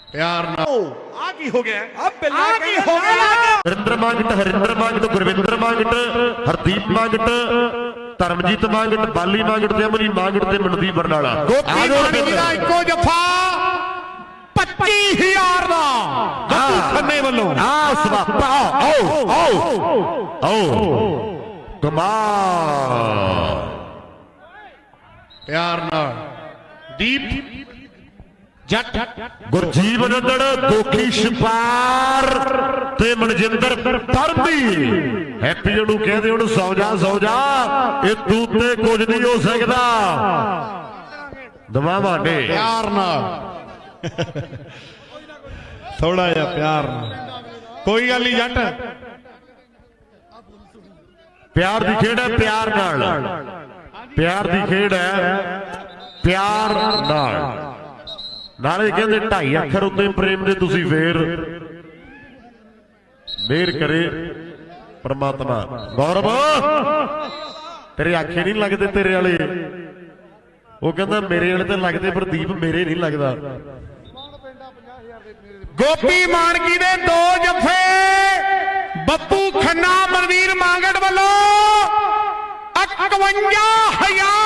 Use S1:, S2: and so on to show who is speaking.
S1: प्यार ना
S2: ਆ ਕੀ ਹੋ ਗਿਆ
S3: हरिंदर मांगट हरिंदर मांगट गुरविंदर मांगट हरदीप मांगट धर्मजीत मांगट बाली मांगट ते अमनी मांगट ते मनदीप बरनाला
S1: गोपी मानकी दा इक्को जफा 25,000 ਦਾ ਖੰਨੇ ਵੱਲੋਂ
S3: कमाल
S1: प्यार नाल दीप जट
S3: गुरजीव नंदड़ गोखी छपार ते मनजिंदर परमी हैप्पी नूं कहदे हुण सौ जा ये तू ते कुछ नहीं हो सकदा दवावां ने
S1: प्यार नाल
S2: ਥੋੜਾ ਜਿਹਾ ਪਿਆਰ ਨਾਲ ਕੋਈ ਗੱਲ नहीं जट
S3: प्यार दी खेड है प्यार नाल प्यार दी खेड है प्यार नाल नाले कहंदे 2.5 अखर उत्ते प्रेम दे तुसी फेर मेहर करे परमात्मा गौरव तेरे आखे नहीं लगते तेरे वाले वो कहंदा मेरे वाले ते लगदे पर दीप मेरे नहीं लगदा
S1: गोपी मानकी दे 2 जफे